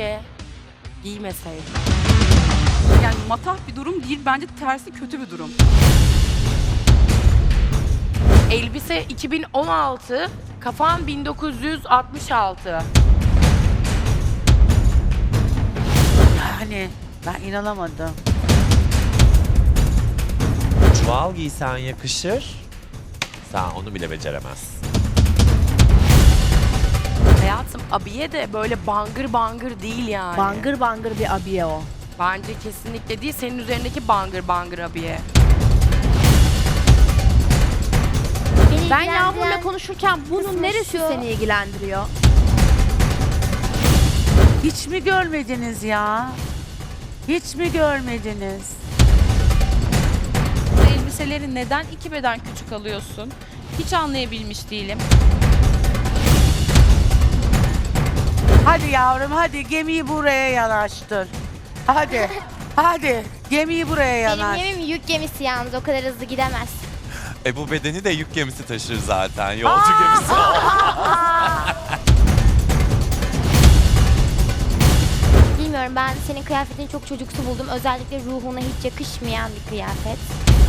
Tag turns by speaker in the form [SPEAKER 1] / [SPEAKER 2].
[SPEAKER 1] Keşke giymeseydim.
[SPEAKER 2] Yani matah bir durum değil, bence tersi kötü bir durum.
[SPEAKER 1] Elbise 2016, kafan 1966.
[SPEAKER 3] Yani ben inanamadım.
[SPEAKER 4] Çuval giysen yakışır. Sen onu bile beceremezsin.
[SPEAKER 1] Hayatım, abiye de böyle bangır bangır değil yani.
[SPEAKER 5] Bangır bangır bir abiye o.
[SPEAKER 1] Bence kesinlikle değil, senin üzerindeki bangır bangır abiye.
[SPEAKER 5] Ben Yağmur'la konuşurken bunun neresi seni ilgilendiriyor?
[SPEAKER 3] Hiç mi görmediniz ya? Hiç mi görmediniz?
[SPEAKER 6] Elbiseleri neden 2 beden küçük alıyorsun? Hiç anlayabilmiş değilim.
[SPEAKER 3] Hadi yavrum hadi gemiyi buraya yanaştır. Hadi. Hadi gemiyi buraya
[SPEAKER 7] Benim
[SPEAKER 3] yanaş.
[SPEAKER 7] gemim yük gemisi yalnız, o kadar hızlı gidemez.
[SPEAKER 4] Bu bedeni de yük gemisi taşır zaten. Yolcu gemisi.
[SPEAKER 7] Bilmiyorum, ben senin kıyafetini çok çocuksu buldum. Özellikle ruhuna hiç yakışmayan bir kıyafet.